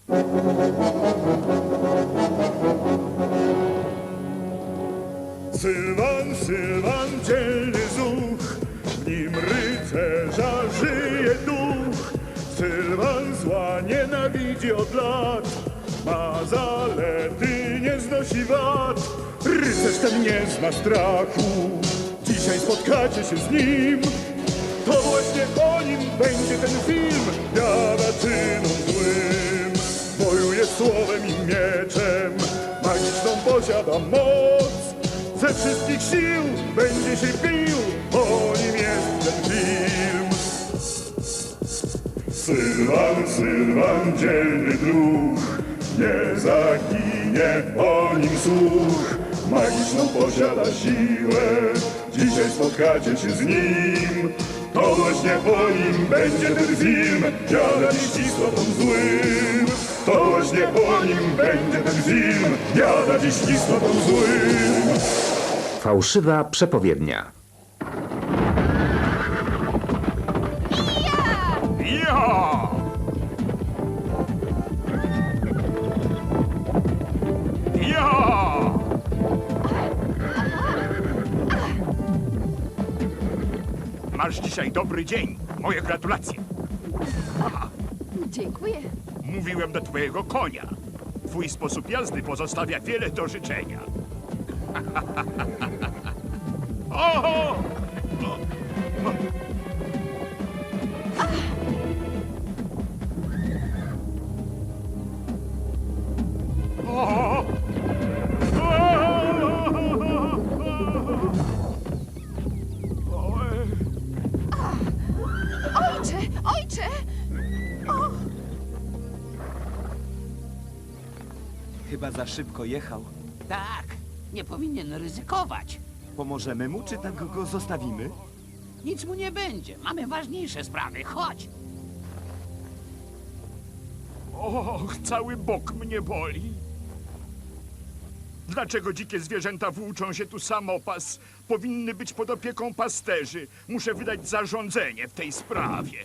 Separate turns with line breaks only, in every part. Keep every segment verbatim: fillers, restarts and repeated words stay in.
Sylwan, Sylwan, dzielny zuch, w nim rycerza żyje duch. Sylwan zła nienawidzi od lat, ma zalety, nie znosi wad. Rycerz ten nie zna strachu, dzisiaj spotkacie się z nim. To właśnie o nim będzie ten film, wiara czynom złym. Wojuje słowem i mieczem, magiczną posiada moc. Ze wszystkich sił będzie się bił, o nim jest ten film. Sylwan, Sylwan, dzielny druh, nie zaginie o nim słuch. Magiczną posiada siłę, dzisiaj spotkacie się z nim. To właśnie o nim będzie ten film, jada dziś z istotą złym. To właśnie o nim będzie ten film, jada dziś z istotą złym.
Fałszywa przepowiednia.
Ja! Ja! Masz dzisiaj dobry dzień. Moje gratulacje.
Dziękuję.
Mówiłem do twojego konia. Twój sposób jazdy pozostawia wiele do życzenia. Oho! O!
Ojcze, ojcze! O,
Chyba za szybko jechał.
Tak, nie powinien ryzykować.
Pomożemy mu, czy tak go zostawimy?
Nic mu nie będzie. Mamy ważniejsze sprawy. Chodź.
Och, cały bok mnie boli. Dlaczego dzikie zwierzęta włóczą się tu samopas? Powinny być pod opieką pasterzy. Muszę wydać zarządzenie w tej sprawie.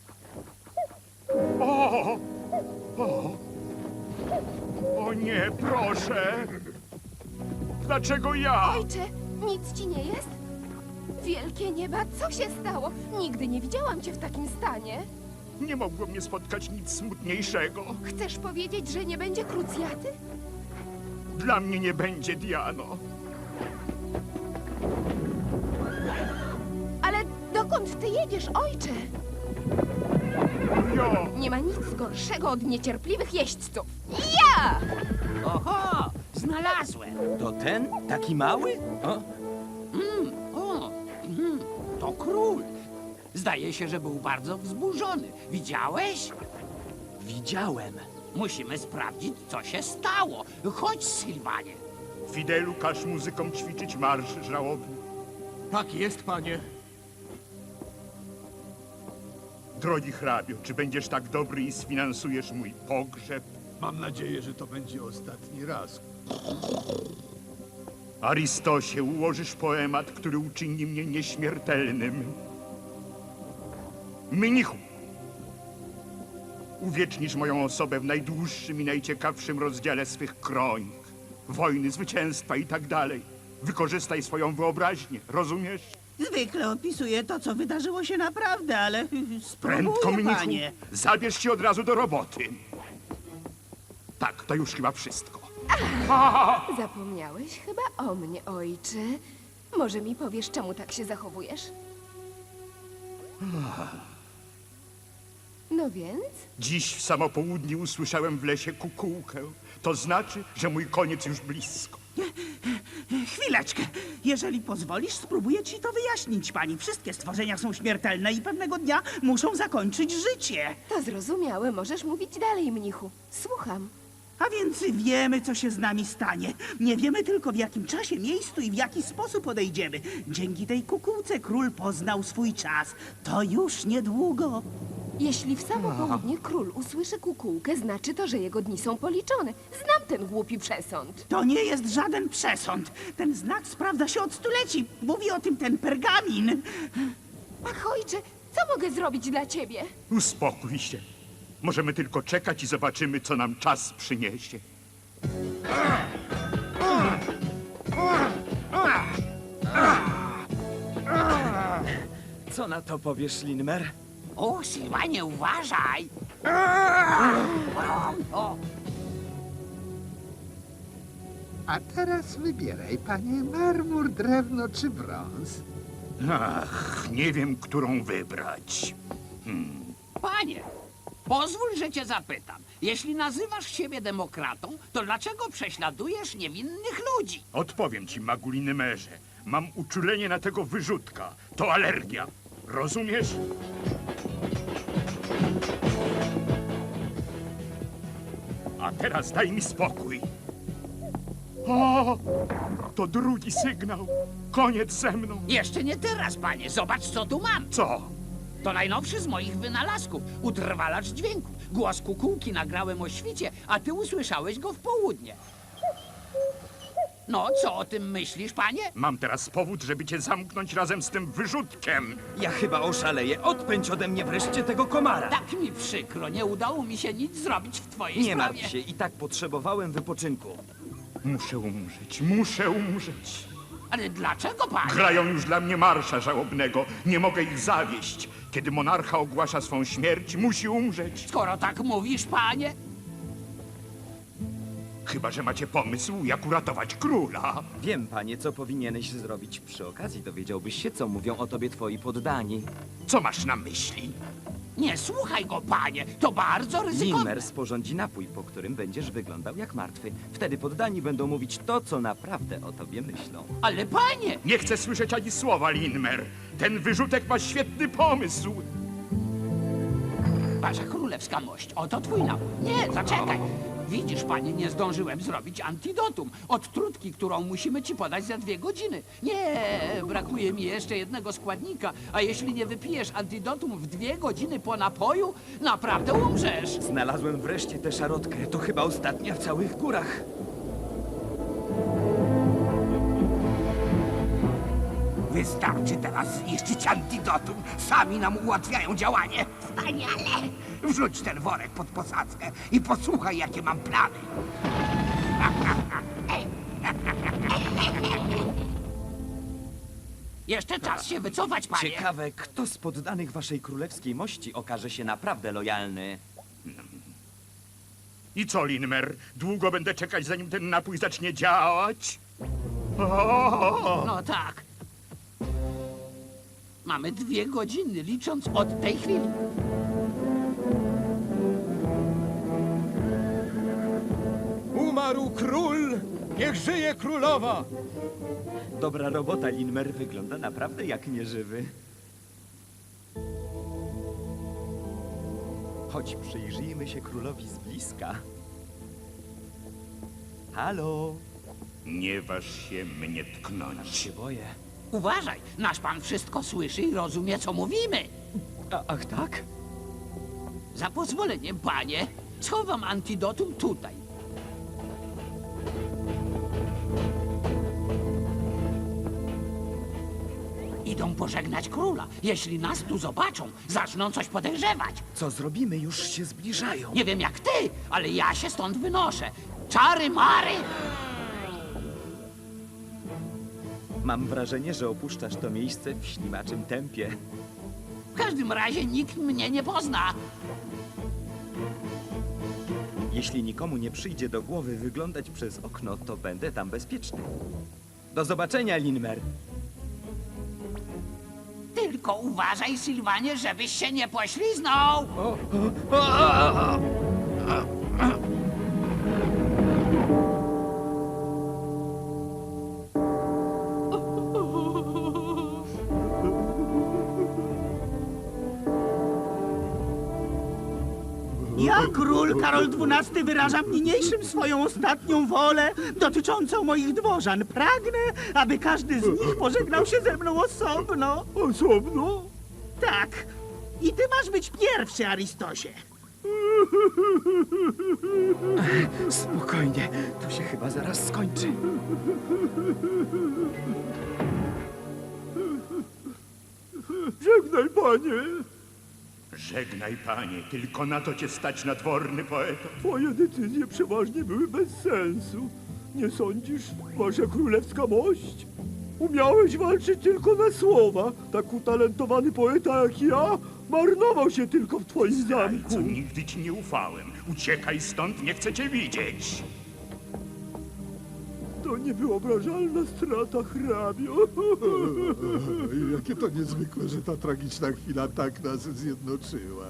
O! O! O nie, proszę! Dlaczego ja?
ojcze, nic ci nie jest? Wielkie nieba, co się stało? Nigdy nie widziałam cię w takim stanie.
Nie mogło mnie spotkać nic smutniejszego.
Chcesz powiedzieć, że nie będzie krucjaty?
Dla mnie nie będzie, Diano.
Ale dokąd ty jedziesz, ojcze?
Jo!
Nie ma nic gorszego od niecierpliwych jeźdźców. Ja!
Oho, znalazłem.
To ten? Taki mały? O,
O, mm, to król. Zdaje się, że był bardzo wzburzony. Widziałeś?
widziałem.
Musimy sprawdzić, co się stało. Chodź, Sylwanie.
Fidelu, każ muzykom ćwiczyć marsz żałobny.
Tak jest, panie.
Drogi hrabio, czy będziesz tak dobry i sfinansujesz mój pogrzeb?
Mam nadzieję, że to będzie ostatni raz.
Aristosie, ułożysz poemat, który uczyni mnie nieśmiertelnym. Mnichu, uwiecznisz moją osobę w najdłuższym i najciekawszym rozdziale swych kronik. Wojny, zwycięstwa i tak dalej. Wykorzystaj swoją wyobraźnię, rozumiesz?
Zwykle opisuję to, co wydarzyło się naprawdę, ale
Prędko,
spróbuję,
mnichu,
panie.
zabierz się od razu do roboty. Tak, to już chyba wszystko.
Zapomniałeś chyba o mnie, ojcze. Może mi powiesz, czemu tak się zachowujesz? No więc?
Dziś w samo południe usłyszałem w lesie kukułkę. To znaczy, że mój koniec już blisko.
Chwileczkę. Jeżeli pozwolisz, spróbuję ci to wyjaśnić, pani. Wszystkie stworzenia są śmiertelne i pewnego dnia muszą zakończyć życie.
To zrozumiałe, możesz mówić dalej, mnichu. Słucham.
A więc wiemy, co się z nami stanie. Nie wiemy tylko, w jakim czasie, miejscu i w jaki sposób odejdziemy. Dzięki tej kukułce król poznał swój czas. To już niedługo.
Jeśli w samo południe król usłyszy kukułkę, znaczy to, że jego dni są policzone. Znam ten głupi przesąd.
To nie jest żaden przesąd. Ten znak sprawdza się od stuleci. Mówi o tym ten pergamin.
Ach, ojcze, co mogę zrobić dla ciebie?
Uspokój się. Możemy tylko czekać i zobaczymy, co nam czas przyniesie.
Co na to powiesz, Linmer?
O, Sylwanie, uważaj! O,
A teraz wybieraj, panie, marmur, drewno czy brąz.
Ach, nie wiem, którą wybrać.
panie, pozwól, że cię zapytam. Jeśli nazywasz siebie demokratą, to dlaczego prześladujesz niewinnych ludzi?
Odpowiem ci, Maguliny Merze. Mam uczulenie na tego wyrzutka. To alergia. Rozumiesz? A teraz daj mi spokój. O, to drugi sygnał. Koniec ze mną.
Jeszcze nie teraz, panie. Zobacz, co tu mam.
Co?
To najnowszy z moich wynalazków. Utrwalacz dźwięku. Głos kukułki nagrałem o świcie, a ty usłyszałeś go w południe. No, co o tym myślisz, panie?
Mam teraz powód, żeby cię zamknąć razem z tym wyrzutkiem.
Ja chyba oszaleję. Odpędź ode mnie wreszcie tego komara.
Tak mi przykro, nie udało mi się nic zrobić w twojej
Nie
sprawie.
martw się, i tak potrzebowałem wypoczynku.
Muszę umrzeć, muszę umrzeć.
Ale dlaczego, panie?
Grają już dla mnie marsza żałobnego. Nie mogę ich zawieść. Kiedy monarcha ogłasza swą śmierć, musi umrzeć.
Skoro tak mówisz, panie,
Chyba że macie pomysł, jak uratować króla.
Wiem, panie, co powinieneś zrobić. Przy okazji dowiedziałbyś się, co mówią o tobie twoi poddani.
Co masz na myśli?
nie słuchaj go, panie. To bardzo ryzykowne.
Linmer sporządzi napój, po którym będziesz wyglądał jak martwy. Wtedy poddani będą mówić to, co naprawdę o tobie myślą.
Ale panie,
Nie chcę słyszeć ani słowa, Linmer. Ten wyrzutek ma świetny pomysł.
wasza królewska mość, oto twój napój. Nie, zaczekaj. Widzisz, panie, nie zdążyłem zrobić antidotum od trutki, którą musimy ci podać za dwie godziny. Nie, brakuje mi jeszcze jednego składnika, a jeśli nie wypijesz antidotum w dwie godziny po napoju, naprawdę umrzesz.
Znalazłem wreszcie tę szarotkę. To chyba ostatnia w całych górach.
Wystarczy teraz zniszczyć antidotum. Sami nam ułatwiają działanie. Wspaniale! Wrzuć ten worek pod posadzkę i posłuchaj, jakie mam plany.
Jeszcze czas się wycofać, panie.
Ciekawe, kto z poddanych waszej królewskiej mości okaże się naprawdę lojalny.
I co, Linmer? Długo będę czekać, zanim ten napój zacznie działać? O!
No tak. Mamy dwie godziny, licząc od tej chwili.
Umarł król! Niech żyje królowa!
Dobra robota, Linmer. Wygląda naprawdę jak nieżywy. Chodź, przyjrzyjmy się królowi z bliska. Halo?
Nie waż się mnie tknąć.
Się boję.
Uważaj, nasz pan wszystko słyszy i rozumie, co mówimy.
A, ach tak?
Za pozwoleniem, panie, schowam antidotum tutaj. Idą pożegnać króla. Jeśli nas tu zobaczą, zaczną coś podejrzewać.
Co zrobimy? Już się zbliżają.
Nie wiem jak ty, ale ja się stąd wynoszę. Czary mary!
Mam wrażenie, że opuszczasz to miejsce w ślimaczym tempie.
W każdym razie nikt mnie nie pozna.
Jeśli nikomu nie przyjdzie do głowy wyglądać przez okno, to będę tam bezpieczny. Do zobaczenia, Linmer.
Tylko uważaj, Sylwanie, żebyś się nie pośliznął.
Ja, król Karol dwunasty, wyrażam niniejszym swoją ostatnią wolę dotyczącą moich dworzan. Pragnę, aby każdy z nich pożegnał się ze mną osobno.
Osobno?
Tak. I ty masz być pierwszy, Aristosie.
Spokojnie, to się chyba zaraz skończy.
Żegnaj, panie. Żegnaj, panie, tylko na to cię stać nadworny poeto.
Twoje decyzje przeważnie były bez sensu. Nie sądzisz, wasza królewska mość? Umiałeś walczyć tylko na słowa. Tak utalentowany poeta jak ja marnował się tylko w twoim zamku.
Co nigdy ci nie ufałem. Uciekaj stąd, nie chcę cię widzieć.
To niewyobrażalna strata, hrabio.
Jakie to niezwykłe, że ta tragiczna chwila tak nas zjednoczyła.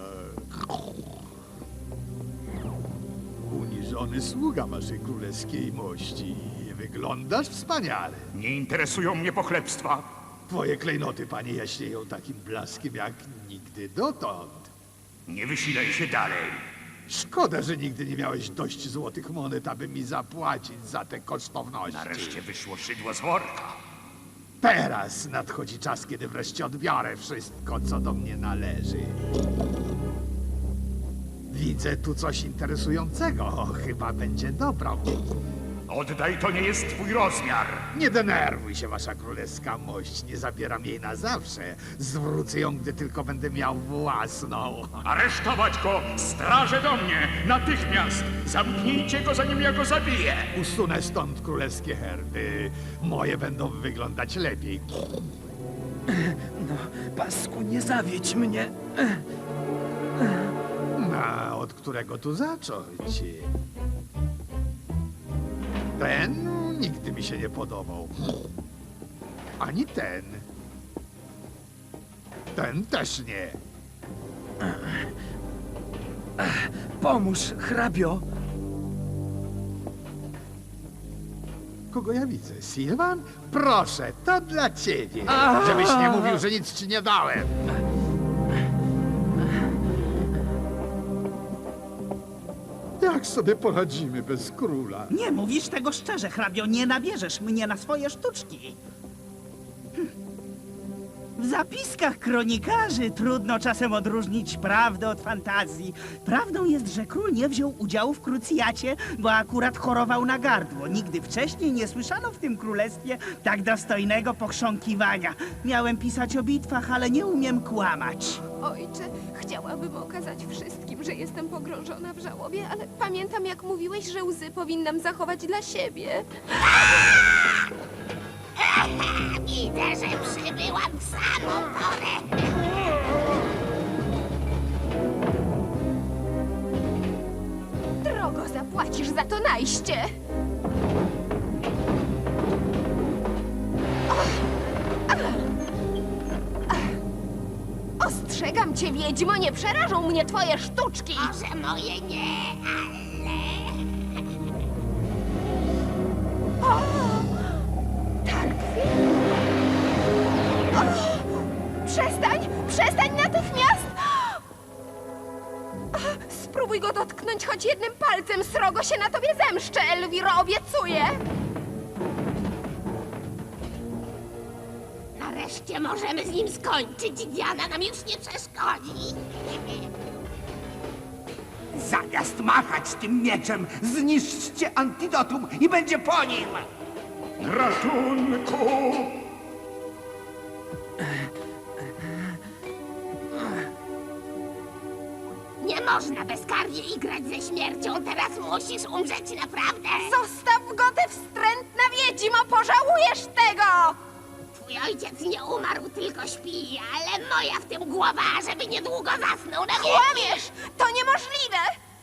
Uniżony sługa waszej królewskiej mości. Wyglądasz wspaniale.
Nie interesują mnie pochlebstwa.
Twoje klejnoty, panie, jaśnieją takim blaskiem jak nigdy dotąd.
Nie wysilaj się dalej.
Szkoda, że nigdy nie miałeś dość złotych monet, aby mi zapłacić za te kosztowności.
Nareszcie wyszło szydło z worka.
Teraz nadchodzi czas, kiedy wreszcie odbiorę wszystko, co do mnie należy. Widzę tu coś interesującego. Chyba będzie dobrą.
Oddaj, to nie jest twój rozmiar.
Nie denerwuj się, wasza królewska mość. Nie zabieram jej na zawsze. Zwrócę ją, gdy tylko będę miał własną.
Aresztować go! Straże do mnie! Natychmiast! Zamknijcie go, zanim ja go zabiję!
Usunę stąd królewskie herby. Moje będą wyglądać lepiej.
Pasku, nie zawiedź mnie.
No, od którego tu zacząć? Ten nigdy mi się nie podobał. Ani ten. Ten też nie.
Pomóż, hrabio.
Kogo ja widzę? Sylwan? Proszę, to dla ciebie. Żebyś nie mówił, że nic ci nie dałem. Jak sobie poradzimy bez króla?
Nie mówisz tego szczerze, hrabio, nie nabierzesz mnie na swoje sztuczki. Hm. W zapiskach kronikarzy trudno czasem odróżnić prawdę od fantazji. Prawdą jest, że król nie wziął udziału w krucjacie, bo akurat chorował na gardło. Nigdy wcześniej nie słyszano w tym królestwie tak dostojnego pochrząkiwania. Miałem pisać o bitwach, ale nie umiem kłamać.
Ojcze, chciałabym okazać wszystkim, że jestem pogrążona w żałobie, ale pamiętam, jak mówiłeś, że łzy powinnam zachować dla siebie.
Widzę, że przybyłam w samą porę.
Drogo zapłacisz za to najście! Ostrzegam cię, wiedźmo, nie przerażą mnie twoje sztuczki!
Może moje nie, ale...
Tarkwi? Przestań! Przestań natychmiast! Spróbuj go dotknąć choć jednym palcem, srogo się na tobie zemszczę, Elwiro, obiecuję!
Nareszcie możemy z nim skończyć. Diana nam już nie przeszkodzi.
Zamiast machać tym mieczem, zniszczcie antidotum i będzie po nim!
Ratunku!
Nie można bezkarnie igrać ze śmiercią. Teraz musisz umrzeć naprawdę.
Zostaw go, ty wstrętna wiedźmo, pożałujesz tego!
Twój ojciec nie umarł, tylko śpi, ale moja w tym głowa, żeby niedługo zasnął na wieki.
Kłamiesz! To niemożliwe!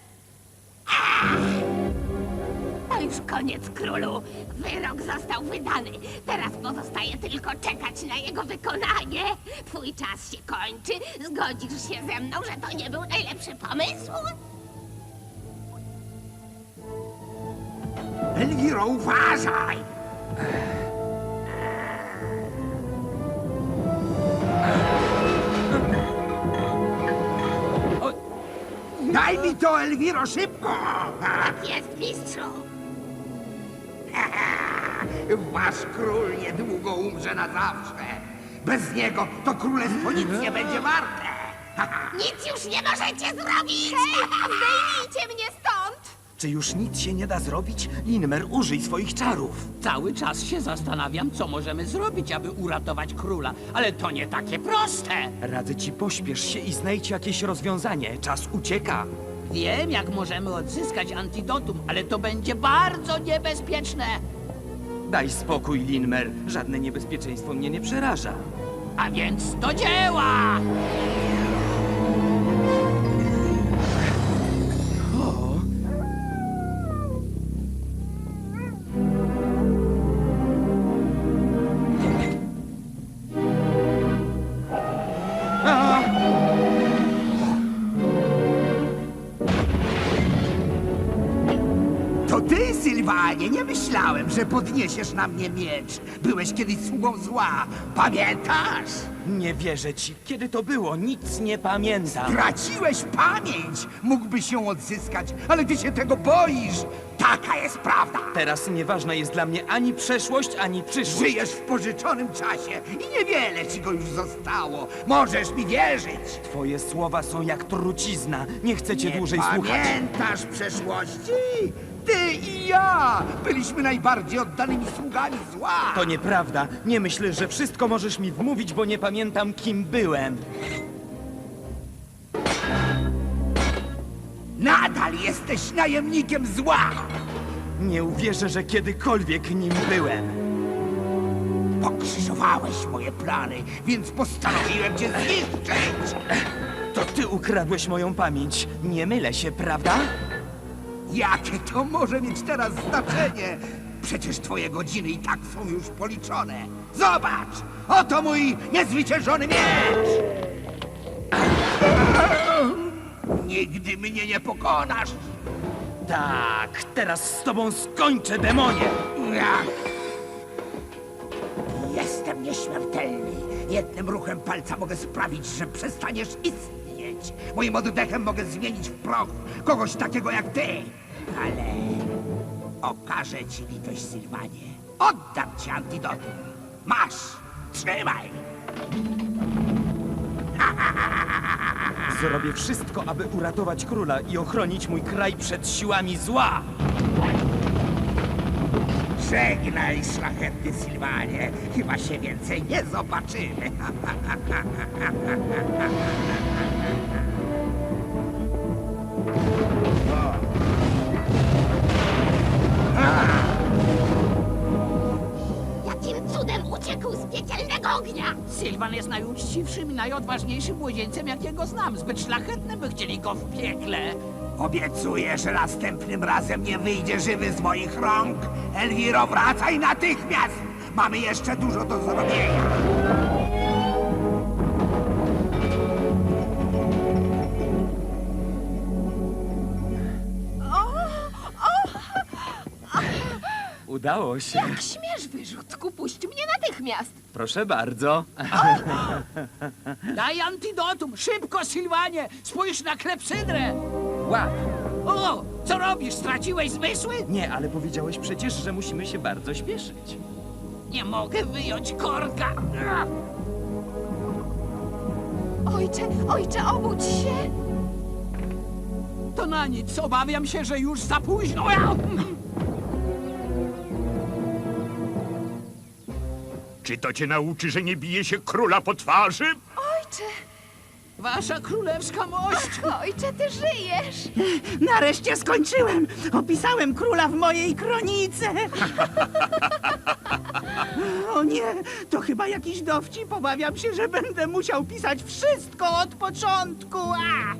To już koniec, królu. Wyrok został wydany. Teraz pozostaje tylko czekać na jego wykonanie. Twój czas się kończy. Zgodzisz się ze mną, że to nie był najlepszy pomysł?
Elwiro, uważaj! Daj mi to, Elwiro, szybko!
Tak jest, mistrzu.
Wasz król niedługo umrze na zawsze. Bez niego to królestwo nic nie będzie warte.
Nic już nie możecie zrobić!
Zdejmijcie mnie stąd!
Czy już nic się nie da zrobić? Linmer, użyj swoich czarów.
Cały czas się zastanawiam, co możemy zrobić, aby uratować króla, ale to nie takie proste.
Radzę ci, pośpiesz się i znajdź jakieś rozwiązanie. Czas ucieka.
Wiem, jak możemy odzyskać antidotum, ale to będzie bardzo niebezpieczne.
Daj spokój, Linmer. Żadne niebezpieczeństwo mnie nie przeraża.
A więc do dzieła!
To ty, Sylwanie, nie myślałem, że podniesiesz na mnie miecz. Byłeś kiedyś sługą zła. Pamiętasz?
Nie wierzę ci. Kiedy to było? Nic nie pamiętam.
Traciłeś pamięć. Mógłbyś ją odzyskać, ale ty się tego boisz. Taka jest prawda.
Teraz nieważna jest dla mnie ani przeszłość, ani przyszłość.
Żyjesz w pożyczonym czasie i niewiele ci go już zostało. Możesz mi wierzyć.
Twoje słowa są jak trucizna. Nie chcę cię dłużej słuchać.
Pamiętasz przeszłości? Ty i ja byliśmy najbardziej oddanymi sługami zła.
To nieprawda. Nie myślę, że wszystko możesz mi wmówić, bo nie pamiętam, kim byłem.
Nadal jesteś najemnikiem zła.
Nie uwierzę, że kiedykolwiek nim byłem.
Pokrzyżowałeś moje plany, więc postanowiłem cię zniszczyć.
To ty ukradłeś moją pamięć. Nie mylę się, prawda?
Jakie to może mieć teraz znaczenie? Przecież twoje godziny i tak są już policzone. Zobacz! Oto mój niezwyciężony miecz! Nigdy mnie nie pokonasz!
Tak, teraz z tobą skończę, demonie!
Ach. Jestem nieśmiertelny. Jednym ruchem palca mogę sprawić, że przestaniesz istnieć. Moim oddechem mogę zmienić w proch kogoś takiego jak ty. Ale okażę ci litość, Sylwanie. Oddam ci antidotum. Masz! Trzymaj!
Zrobię wszystko, aby uratować króla i ochronić mój kraj przed siłami zła.
Żegnaj, szlachetny Sylwanie. Chyba się więcej nie zobaczymy.
Jakim cudem uciekł z piekielnego ognia?
Sylwan jest najuczciwszym i najodważniejszym młodzieńcem, jakiego znam. Zbyt szlachetny, by chcieli go w piekle.
Obiecuję, że następnym razem nie wyjdzie żywy z moich rąk. Elwiro, wracaj natychmiast! Mamy jeszcze dużo do zrobienia.
Udało się.
Jak śmiesz, wyrzutku, puść mnie natychmiast.
Proszę bardzo.
Daj antidotum! Szybko, Sylwanie! Spójrz na klepsydrę!
Łap.
O! Co robisz? Straciłeś zmysły?
Nie, ale powiedziałeś przecież, że musimy się bardzo śpieszyć.
Nie mogę wyjąć korka!
Ojcze, ojcze, obudź się.
To na nic. Obawiam się, że już za późno.
Czy to cię nauczy, że nie bije się króla po twarzy?
Ojcze,
Wasza królewska mość!
ojcze, ty żyjesz.
Nareszcie skończyłem! Opisałem króla w mojej kronice! O nie, to chyba jakiś dowcip. Obawiam się, że będę musiał pisać wszystko od początku. A!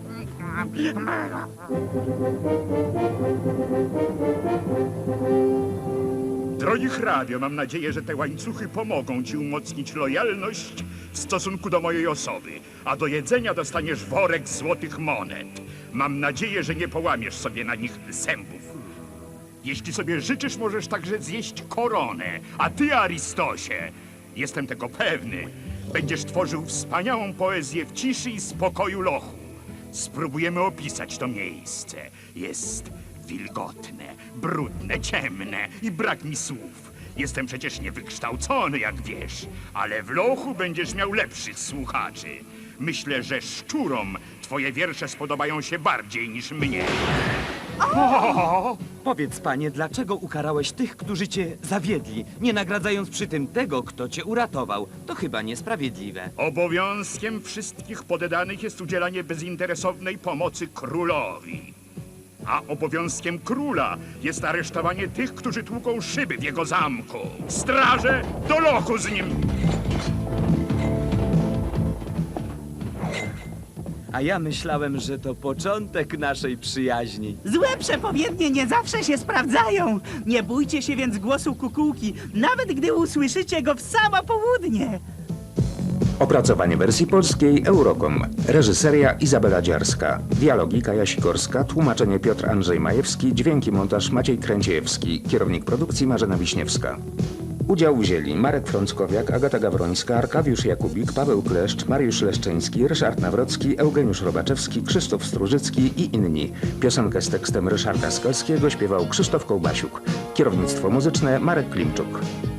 Drogi hrabio, mam nadzieję, że te łańcuchy pomogą ci umocnić lojalność w stosunku do mojej osoby, a do jedzenia dostaniesz worek złotych monet. Mam nadzieję, że nie połamiesz sobie na nich zębów. Jeśli sobie życzysz, możesz także zjeść koronę, a ty, Aristosie, jestem tego pewny, będziesz tworzył wspaniałą poezję w ciszy i spokoju lochu. Spróbujemy opisać to miejsce. Jest wilgotne, brudne, ciemne i brak mi słów. Jestem przecież niewykształcony, jak wiesz, ale w lochu będziesz miał lepszych słuchaczy. Myślę, że szczurom twoje wiersze spodobają się bardziej niż mnie.
Powiedz, panie, dlaczego ukarałeś tych, którzy cię zawiedli, nie nagradzając przy tym tego, kto cię uratował? To chyba niesprawiedliwe.
Obowiązkiem wszystkich poddanych jest udzielanie bezinteresownej pomocy królowi. A obowiązkiem króla jest aresztowanie tych, którzy tłuką szyby w jego zamku. Straże, do lochu z nim!
A ja myślałem, że to początek naszej przyjaźni.
Złe przepowiednie nie zawsze się sprawdzają. Nie bójcie się więc głosu kukułki, nawet gdy usłyszycie go w samo południe.
Opracowanie wersji polskiej Eurocom. Reżyseria Izabela Dziarska. Dialogi Kaja Sikorska. Tłumaczenie Piotr Andrzej Majewski. Dźwięki montaż Maciej Kręciejewski. Kierownik produkcji Marzena Wiśniewska. Udział wzięli Marek Frąckowiak, Agata Gawrońska, Arkadiusz Jakubik, Paweł Kleszcz, Mariusz Leszczyński, Ryszard Nawrocki, Eugeniusz Robaczewski, Krzysztof Strużycki i inni. Piosenkę z tekstem Ryszarda Skalskiego śpiewał Krzysztof Kołbasiuk. Kierownictwo muzyczne Marek Klimczuk.